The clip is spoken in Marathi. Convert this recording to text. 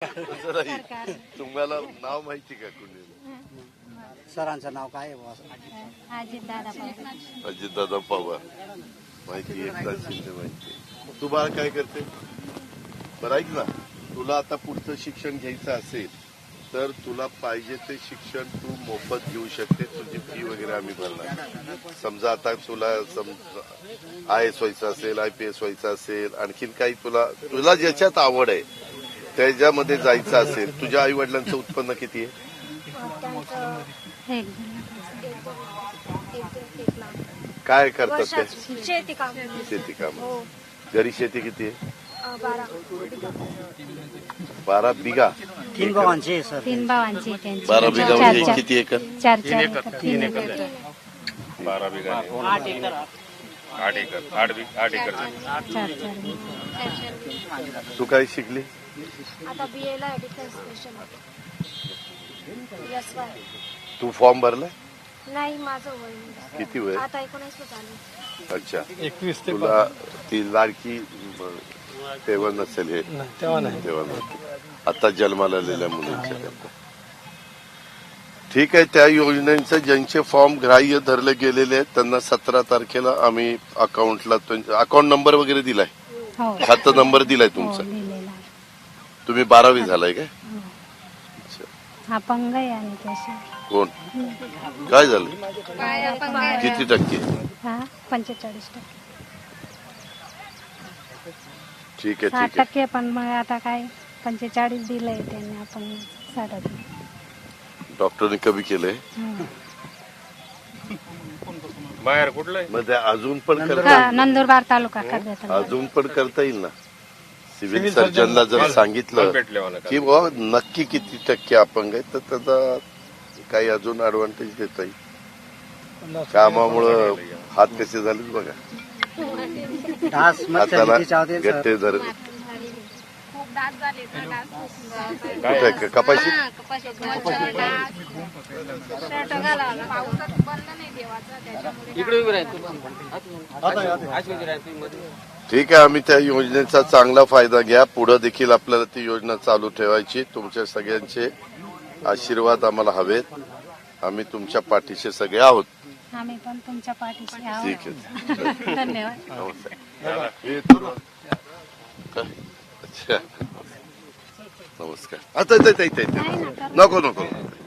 तुम्हाला नाव माहिती का कुणी? सरांचं नाव काय आहे? अजितदादा पवार माहिती, एकनाथ शिंदे माहिती. तू बाळ काय करते? बरं ऐक ना, तुला आता पुढचं शिक्षण घ्यायचं असेल तर तुला पाहिजे ते शिक्षण तू मोफत घेऊ शकते. तुझी फी वगैरे आम्ही भरणार. समजा आता तुला IAS व्हायचं असेल, IPS व्हायचं असेल, आणखीन काही तुला ज्याच्यात आवड आहे त्याच्यामध्ये जायचं असेल. तुझ्या आई वडिलांचं उत्पन्न किती आहे? काय करतात ते? शेती काम. घरी शेती किती आहे? 12 बिघा. 3 भावांचे सर. 3 भावांची त्यांची. 12 बिघा म्हणजे किती acre? 4 acre. 12 bigha 8 acre. 8 acre. 4 तू काय शिकली? आता BA ला डिफेन्स स्पेशल. तू फॉर्म भरला? नाही, माझं वय किती वय? आता 19 चालू. अच्छा, 21 तुला ती लाडकी तेव्हा नसेल हे? तेव्हा नाही. आता जन्माला आलेल्या मुलींच्या करता. ठीक आहे. त्या योजनेचे ज्यांचे फॉर्म ग्राह्य धरले गेलेले आहेत त्यांना 17 तारखेला आम्ही अकाउंटला अकाउंट नंबर वगैरे दिलाय, खातं नंबर दिलाय तुमचा. तुम्ही 12वी झालाय काय? अपंग आहे आणि त्याशी. कोण? काय झालं? किती टक्के? 45%. ठीक आहे, 60% पण मग आता काय 45 दिलंय त्यांनी, आपण 60. डॉक्टरने कमी केलंय. बाहेर कुठलं? मग ते अजून पण करता, नंदुरबार तालुका कर्जत. अजून पण करता येईल ना. सिव्हिल सर्जनला जर सांगितलं की बाबा नक्की किती टक्के अपंग आहे तर त्याचा काही अजून ऍडव्हान्टेज देता येईल. कामामुळं हात कसे झाले बघा. हाताला गट्टे धर. कुठे कपाशी? ठीक आहे. आम्ही त्या योजनेचा चांगला फायदा घ्या. पुढे देखील आपल्याला ती योजना चालू ठेवायची. तुमच्या सगळ्यांचे आशीर्वाद आम्हाला हवेत. आम्ही तुमच्या पाठीशी सगळे आहोत. आम्ही पण तुमच्या पाठीशी आहोत. ठीक आहे. धन्यवाद. अच्छा, नमस्कार. आता नको.